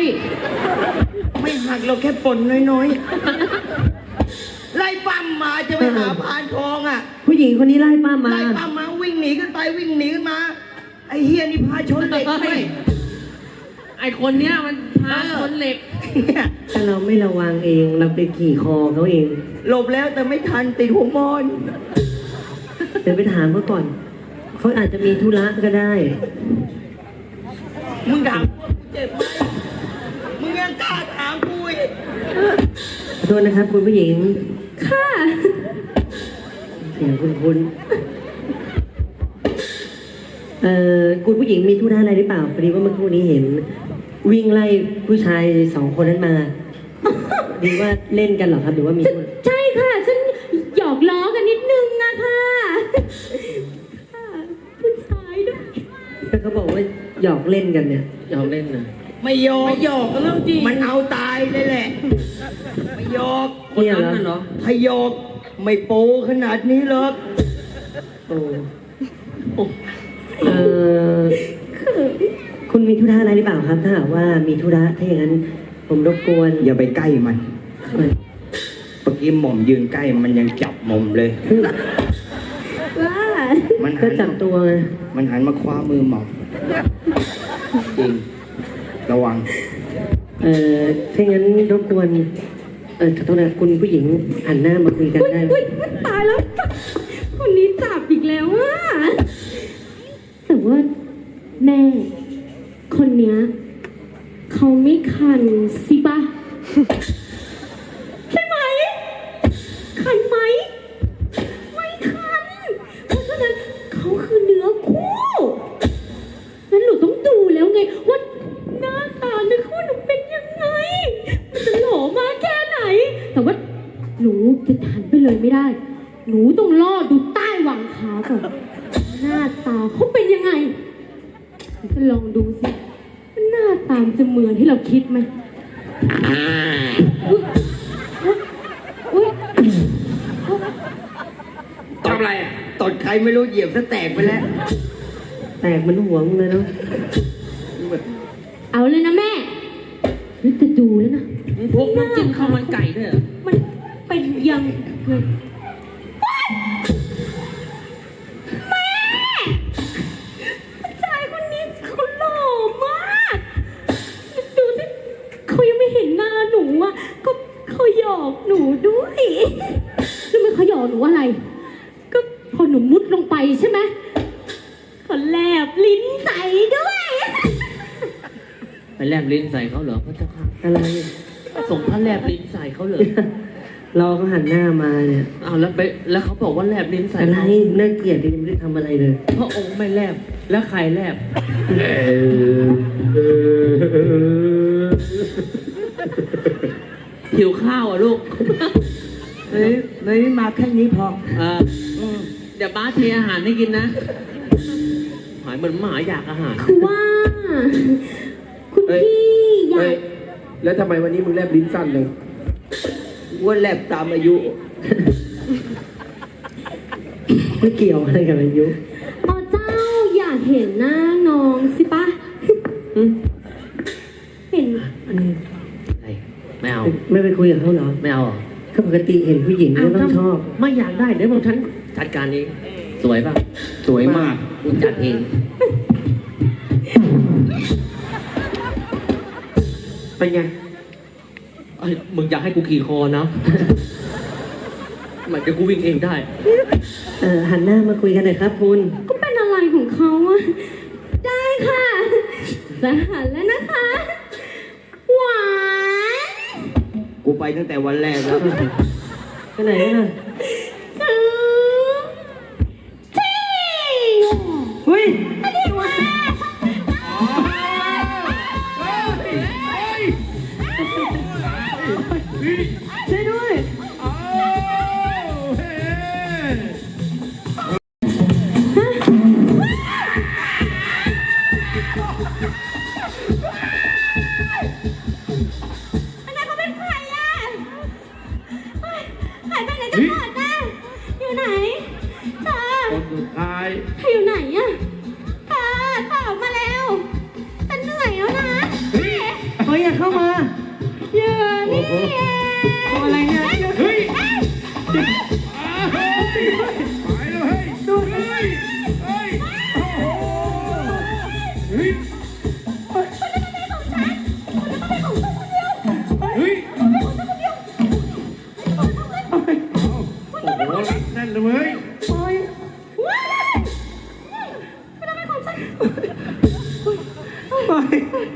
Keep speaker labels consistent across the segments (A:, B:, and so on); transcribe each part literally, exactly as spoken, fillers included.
A: ไม่หักเราแค่ปนน้อยๆไล่ปั้มมาจะไปหาพานทองอ่ะ
B: ผู้หญิงคนนี้ไล่ป้ามา
A: ไล่ปั้มมาวิ่งหนีขึ้นไปวิ่งหนีขึ้นมาไอ้เฮียนี่พาชนเหล็กไม่
C: ไอคนเนี้ยมันพาชนเหล็ก
B: ถ้าเราไม่ระวังเองเราไปขี่คอเขาเอง
A: หลบแล้วแต่ไม่ทันติดหัวมอน
B: เดี๋ยวไปถามเขาก่อนเขาอาจจะมีธุระก็ได้
A: มึงถามกูเจ็บไหมมึงยังกล้าถามกูอีก
B: ขอโทษนะครับคุณผู้หญิง
D: ค่ะ
B: เสียงคุณคุณเอ่อคุณผู้หญิงมีธุระอะไรหรือเปล่าพอดีว่าเมื่อครู่นี้เห็นวิ่งไล่ผู้ชายสองคนนั้นมาดีว่าเล่นกันเหรอครับหรือว่ามี
D: ใช่ค่ะฉันหยอกล้อกันนิดนึงอะค่ะผู้ชายด้วย
B: แต่เขาบอกว่าหยอกเล่นกันเนี่ย
C: หยอกเล่นนะ
A: ไม่หยอกไม่หยอกกันแล้วจริงมันเอาตายเลยแหละไม่หยอก
C: คนนั้นเหรอ
A: ถ้าหยอกไม่โป้ขนาดนี้หรอก
B: โอ้เออคุณมีธุระอะไรหรือเปล่าครับถ้าหากว่ามีธุระถ้าอย่างนั้นผมรบกวน
A: อย่าไปใกล้มันเมื่อกี้หม่อมยืนใกล้มันยังจับหม่อมเลย
D: ว่า
B: มันก็จับตัว
A: มันหันมาคว้ามือหม่อมจริงระวัง
B: เอ่อถ้าอย่างนั้นรบกวนเออขอโทษนะคุณผู้หญิงหันหน้ามาคุยกันได้
D: อุ้ยตายแล้วคนนี้จับอีกแล้วอ่ะแต่ว่าแม่คนเนี้ยเขาไม่คันสิปะใช่ไหมคันไหมไม่คันเพราะฉะนั้นเขาคือเนื้อคู่งั้นหนูต้องดูแล้วไงว่าหน้าตาเนื้อคู่หนูเป็นยังไงมันจะหล่อมากแค่ไหนแต่ว่าหนูจะหันไปเลยไม่ได้หนูต้องรอดูใต้หว่างขาก่อนหน้าตาเขาเป็นยังไงจะลองดูสิหน้าตามจะเหมือนที่เราคิดไหม
A: ทำอะไรตดใครไม่รู้เหยียบซะแตกไปแล้ว
B: แตกมันหัวมึงเลยเนาะ
D: เอาเลยนะแม่นี่จะดูแล้วนะ
C: พวกมันจิ้มข้าวมันไก่ด้วยเหรอ
D: มันเป็นยังไงแม่ผู้ชายคนนี้เขาหล่อมากดูสิเขายังไม่เห็นหน้าหนูอ่ะก็เขาหยอกหนูด้วยรู้ไหมเขาหยอกหนูอะไรก็พอหนูมุดลงไปใช่ไหมเขาแลบลิ้นใส่ด้วย
C: ไปแลบลิ้นใส่เขาเหรอพระเจ้าค่ะ
B: อะไร
C: ส่งพระแลบลิ้นใส่เขาเลย
B: รอเขาหันหน้ามาเนี่ย
C: อ้าวแล้วไปแล้วเขาบอกว่าแลบลิ้นใส่
B: อะไรน่าเกลียดยังไม่ได้ทำอะไรเลย
C: พระองค์ไม่แลบแล้วใครแลบหิวข้าวอ่ะลูก
A: เฮ้ยเฮ้ยมาแค่นี้พอ
C: เออเดี๋ยวบ้าเทอาหารให้กินนะหายเหมือนหมาอยากอาหาร
D: คือว่าคุณพี่อยาก
A: แล้วทำไมวันนี้มึงแลบลิ้นสั้นเลยว่าแลบตามอายุ
B: ไม่เกี่ยวอะไรกับอายุ
D: อ๋อเจ้าอยากเห็นหน้าน้องสิปะเห็น
C: อะไรไม่เอา
B: ไม่ไปคุยกับเขาเหรอ
C: ไม่เอา
B: ก็ปกติเห็นผู้หญิงก็ต้องชอบ
C: ไม่อยากได้เดี๋ยวผมฉันจัดการเองสวยป่ะ
A: สวยมาก
C: กูจัดเอง
A: เป็นไง
C: ไอ้มึงอยากให้กูขี่คอนะมันจะกูวิ่งเองได้
B: เออหันหน้ามาคุยกันหน่อยครับคุณ
D: ก็เป็นอะไรของเขาอะได้ค่ะจะหันแล้วนะคะหวาน
A: กูไปตั้งแต่วันแรกแล้ว
B: ไปไหนน่ะ
D: ซื้อที่
B: เฮ้ย
D: อันนี้มา
B: ช่วยด้วย
D: อันนั้นเขาเป็นใครอ่ะหายไปไหนกันหมด
B: เข้ามา
D: เยอะนี่เอง
B: ตัวอะไรเนี่ย
A: เฮ้ย
E: ไปแล้วเฮ้ยดูเฮ้ยเฮ้ยโอ้โหเฮ้ยเฮ้ยโอ้โหรัดแน่นเลยเว้ย
B: โอ้ย ปล่อย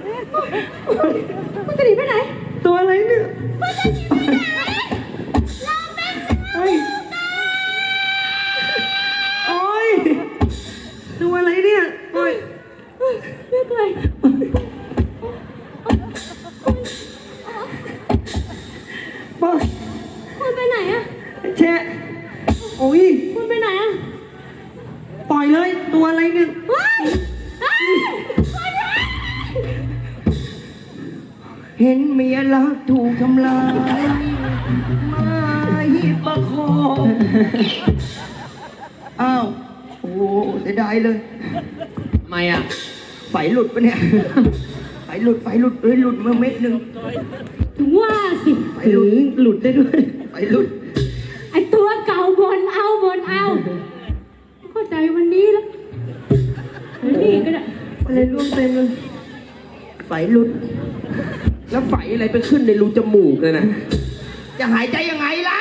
D: มันจะหนีไปไหน
B: ตัวอะไรเนี่ย
D: มันจะหนีไปไหนเราเป็น
B: เฮ้ยโอ้ยตัวอะไรเนี่ยโอ้ย
D: ไม่เคย
B: ปล่อย
D: คุณไปไหนอะ
B: แชะโอ้ย
D: คุณไปไหนอะ
B: ปล่อยเลยตัวอะไรเนี่ย
D: ว้ายอ้าวคุณไป
A: เห็นเมียรักถูกทำลายมาหิบประคองอ้าว โอ้เสียดายเลย
C: ทำไมอ่ะ
A: ไฟหลุดปะเนี่ย ไฟหลุด ไฟหลุดเอ้ยหลุดมาเม็ดหนึ่ง
D: ถึงว่าสิ
A: ไฟ
B: ห
A: ห
B: ลุ
A: ลุ
B: ด
A: ด
B: หลุดได้ด้วย
A: ไฟหลุด
D: ไอตัวเก่าบนเอาบนเอาเข้าใจวันนี้แล้ววันนี้ก็ได้
B: อะไรร่วงเต็มเลย
A: ไฟหลุด
C: แล้วไฟอะไรไปขึ้นในรูจมูกเลยนะ
A: จะหายใจยังไงแล้ว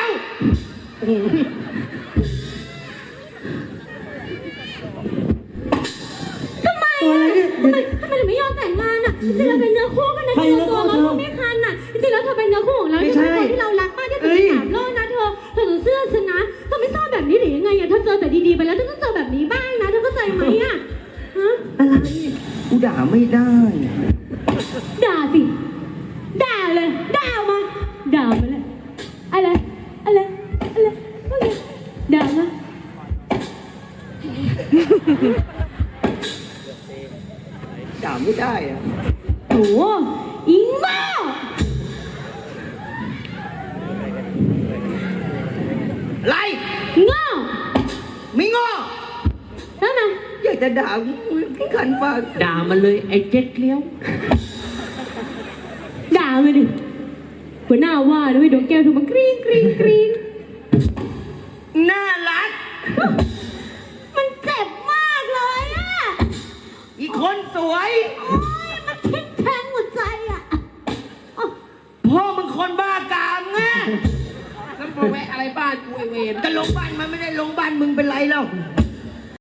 D: ทำไม
B: ตัวอะไร
D: อะ
B: เนี่ย
D: ทำไมทำไมถึงไม่ยอมแต่งงานอ่ะจริงๆเราเป็นเนื้อคู่กันนะ
B: ใคร
D: ที่เราตัวเรา
B: เนื้อคู่
D: ก็ไม่คันอ่ะจริงๆแล้วเธอเป็นเนื้อคู่ของเรา
B: ไม่
D: ที่
B: ใช่
D: เป็นคนที่เรารักมากที่สุด
B: เอ้
D: ใน
B: ย
D: สามโลกนะเธอเธอต้องเสื้อฉันนะเธอไม่ชอบแบบนี้หรือยังไงอ่ะเธอเจอแต่ดีๆไปแล้วเธอต้องเจอแบบนี้บ้างนะเธอเข้าใจไหมอ่ะฮะ
B: อะไร
A: กูด่าไม่ได้
D: ด่าสิด่าเลยด่าออกมาด่ามาเลยอะไรอะไรอะไรโอเคด่ามา
A: ด่าไม่ได้อะ
D: โอ้อิงบ้า
A: ไร
D: โง่
A: ไม่งอ
D: แล้วไง
A: อยากจะด่าพี่ขันปาก
C: ด่ามันเลยไอ้เจ๊กเลี้ยว
D: ด่ามาดิหัวหน้าว่าด้วยดวงแก้วถูกมันกรี๊งกรี๊งกรี๊ง
A: น่ารัก
D: มันเจ็บมากเลยอ่ะ
A: อีกคนสวย
D: โอ้ยมันทิ่มแทงหัวใจอ่ะอ๋อ
A: พ่อมึงคนบ้ากามไง
C: แล้วมาแวะอะไรบ้านกูไอเวร
A: ก็ลงบ้านมันไม่ได้ลงบ้านมึงเป็นไรแล้ว
D: เ